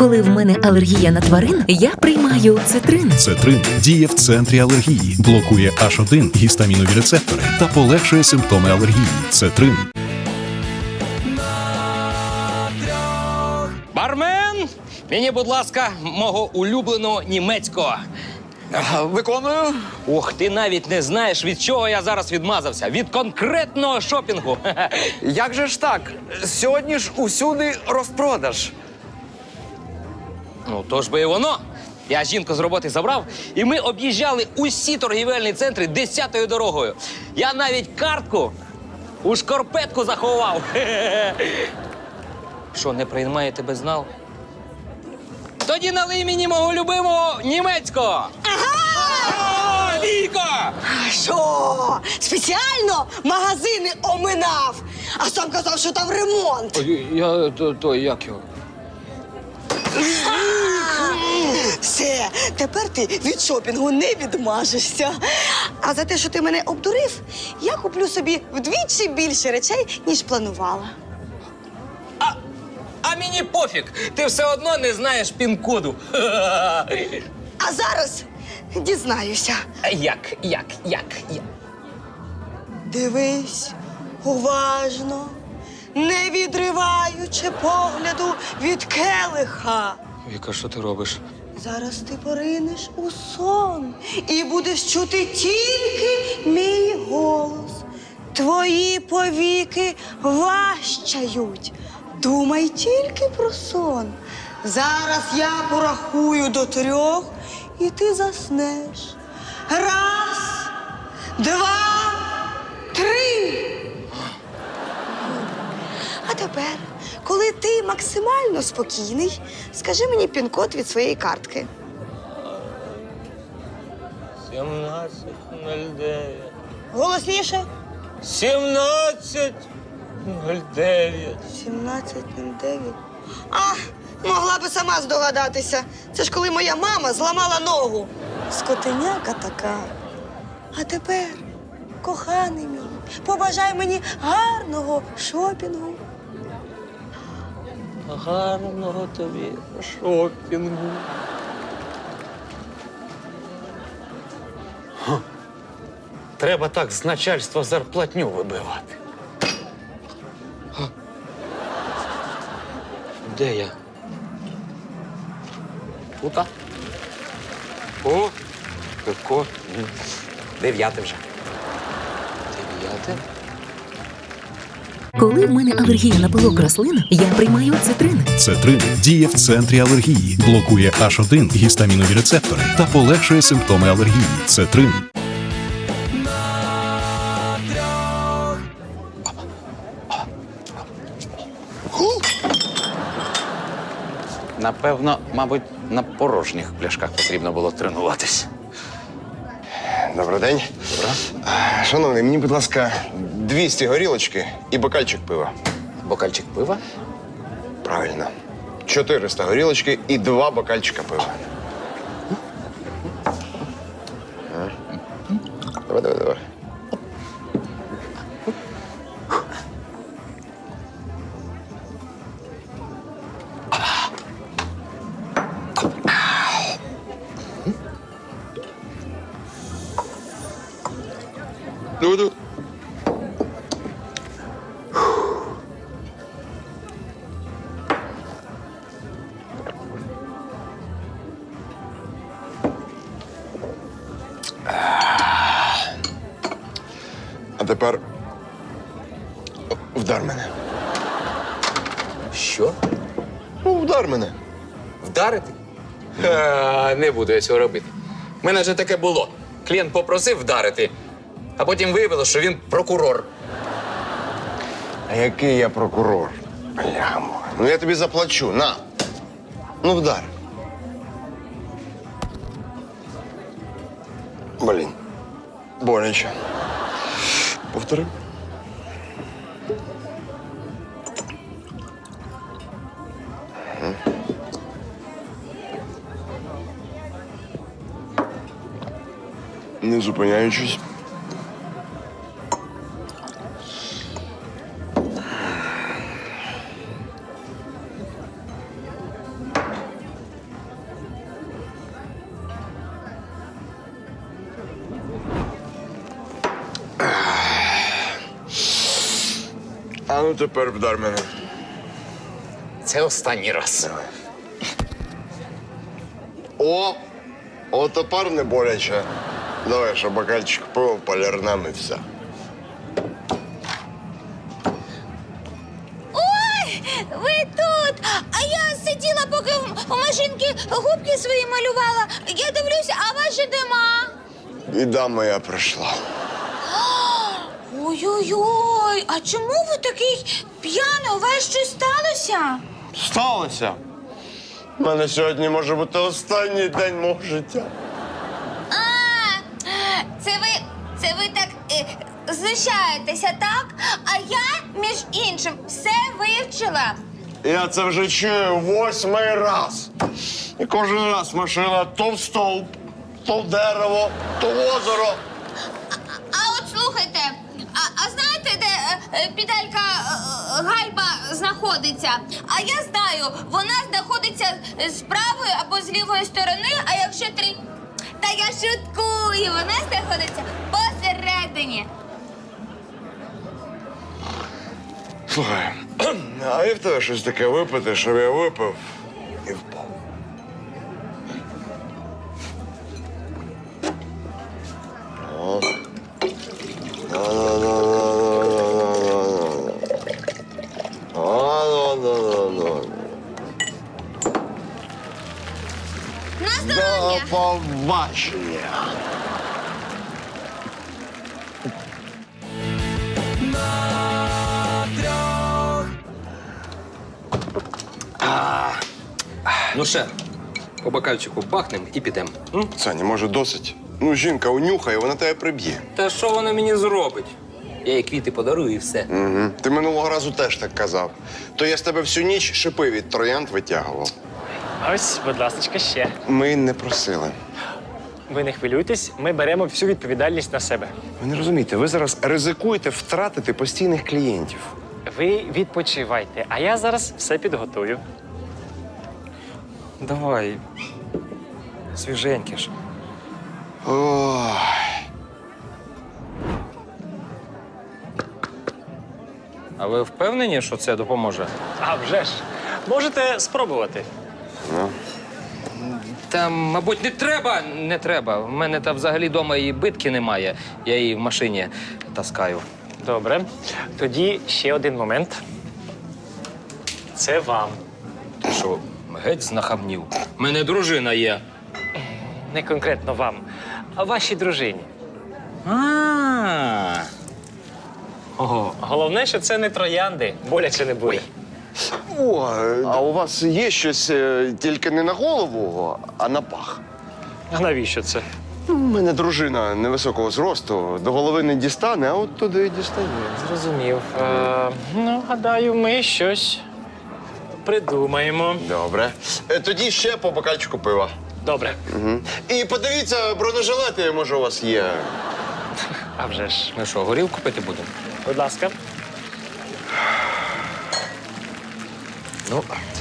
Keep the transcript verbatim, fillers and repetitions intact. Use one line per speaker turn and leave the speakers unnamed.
Коли в мене алергія на тварин, я приймаю цитрин.
Цетрин діє в центрі алергії, блокує аш один гістамінові рецептори та полегшує симптоми алергії. Цетрин.
Бармен, мені, будь ласка, мого улюбленого німецького.
Виконую.
Ох, ти навіть не знаєш, від чого я зараз відмазався. Від конкретного шопінгу.
Як же ж так? Сьогодні ж усюди розпродаж.
Ну, то ж би і воно. Я жінку з роботи забрав, і ми об'їжджали усі торгівельні центри десятою дорогою. Я навіть картку у шкарпетку заховав. Що, не приймаєте безнал? Тоді налий мені мого любимого німецького. Ага! Віка!
Що? Спеціально магазини оминав, а сам казав, що там ремонт.
Я то, то як його?
Все, тепер ти від шопінгу не відмажешся. А за те, що ти мене обдурив, я куплю собі вдвічі більше речей, ніж планувала.
А мені пофіг, ти все одно не знаєш пін-коду.
А зараз дізнаюся.
Як, як, як, як?
Дивись уважно, не відриваючи погляду від келиха.
Віка, що ти робиш?
Зараз ти поринеш у сон і будеш чути тільки мій голос. Твої повіки важчають. Думай тільки про сон. Зараз я порахую до трьох, і ти заснеш. Раз, два, три. А тепер, коли ти максимально спокійний, скажи мені пін-код від своєї картки.
сімнадцять нуль дев'ять.
Голосніше.
сімнадцять нуль дев'ять.
сімнадцять нуль дев'ять. А, могла би сама здогадатися. Це ж коли моя мама зламала ногу. Скотиняка така. А тепер, коханий мій, побажай мені гарного шопінгу.
Гарного тобі шопінгу.
Треба так з начальства зарплатню вибивати.
Де я?
Тута. О, пивко. Дев'яте вже.
Дев'яте?
Коли в мене алергія на пилок рослин, я приймаю цитрин.
Цетрин діє в центрі алергії, блокує аш один гістамінові рецептори та полегшує симптоми алергії. Цетрин.
Напевно, мабуть, на порожніх пляшках потрібно було тренуватись.
Добрий день.
Добре.
А, Шановний, мені, будь ласка, двісті горілочки і бокальчик пива.
Бокальчик пива?
Правильно. чотириста горілочки і два бокальчика пива. А? Давай, давай, давай. Ну-ну. А тепер вдар мене.
Що?
Ну, вдар мене.
Вдарити? Ха, не буду я цього робити. У мене вже таке було. Клієнт попросив вдарити, а потім виявилося, що він прокурор.
А який я прокурор? Блямо. Ну я тобі заплачу. На. Ну, вдар. Блін. Боляче. Повтори. Не зупиняючись. А ну тепер вдар мене.
Це останній раз.
О! О, тепер не боляче. Давай, ще бокальчик пива, полірнем і все.
Ой, ви тут! А я сиділа, поки в машинки губки свої малювала. Я дивлюся, а вас же нема.
Біда моя прийшла.
Ой-ой-ой, а чому ви такий п'яний? У вас щось сталося?
Сталося. У мене сьогодні може бути останній день мого життя.
А, це ви, це ви так е, знущаєтеся, так? А я, між іншим, все вивчила.
Я це вже чую восьмий раз. І кожен раз машина то в стовп, то в дерево, то в озеро.
А от слухайте, а, а знаєте, де е, е, педалька е, гальба знаходиться? А я знаю, вона знаходиться з правої або з лівої сторони, а якщо три. Та я шуткую, вона знаходиться посередині.
Слухай, а є в тебе щось таке випити, щоб я випив і впав? О. Ну-ну-ну-ну-ну-ну.
На здоров'я!
До побачення.
Ну ще, по бокальчику бахнем і підемо. М?
Саня, може, досить? Ну, жінка унюхає, вона тебе приб'є.
Та що вона мені зробить? Я їй квіти подарую і все.
Угу. Ти минулого разу теж так казав. То я з тебе всю ніч шипи від троянд витягував.
Ось, будь ласка, ще.
Ми не просили.
Ви не хвилюйтесь, ми беремо всю відповідальність на себе.
Ви не розумієте, ви зараз ризикуєте втратити постійних клієнтів.
Ви відпочивайте, а я зараз все підготую.
Давай. Свіженьке ж.
Ой.
А ви впевнені, що це допоможе?
А вже ж. Можете спробувати.
Та, мабуть, не треба. Не треба. В мене там взагалі вдома і битки немає. Я її в машині таскаю.
Добре. Тоді ще один момент. Це вам.
Ти що, геть знахабнів? У мене дружина є.
Не конкретно вам, а вашій дружині.
А.
Ого. Головне, що це не троянди. Боляче не буде.
О, а у вас є щось е, тільки не на голову, а на пах?
А навіщо це?
У мене дружина невисокого зросту, до голови не дістане, а от туди дістає.
Зрозумів. Е, ну, гадаю, ми щось придумаємо.
Добре. Е, тоді ще по бокальчику пива.
Добре.
Угу. І подивіться, бронежилети, може, у вас є.
А вже ж.
Ми що, горілку пити будемо?
Будь ласка.
Ну,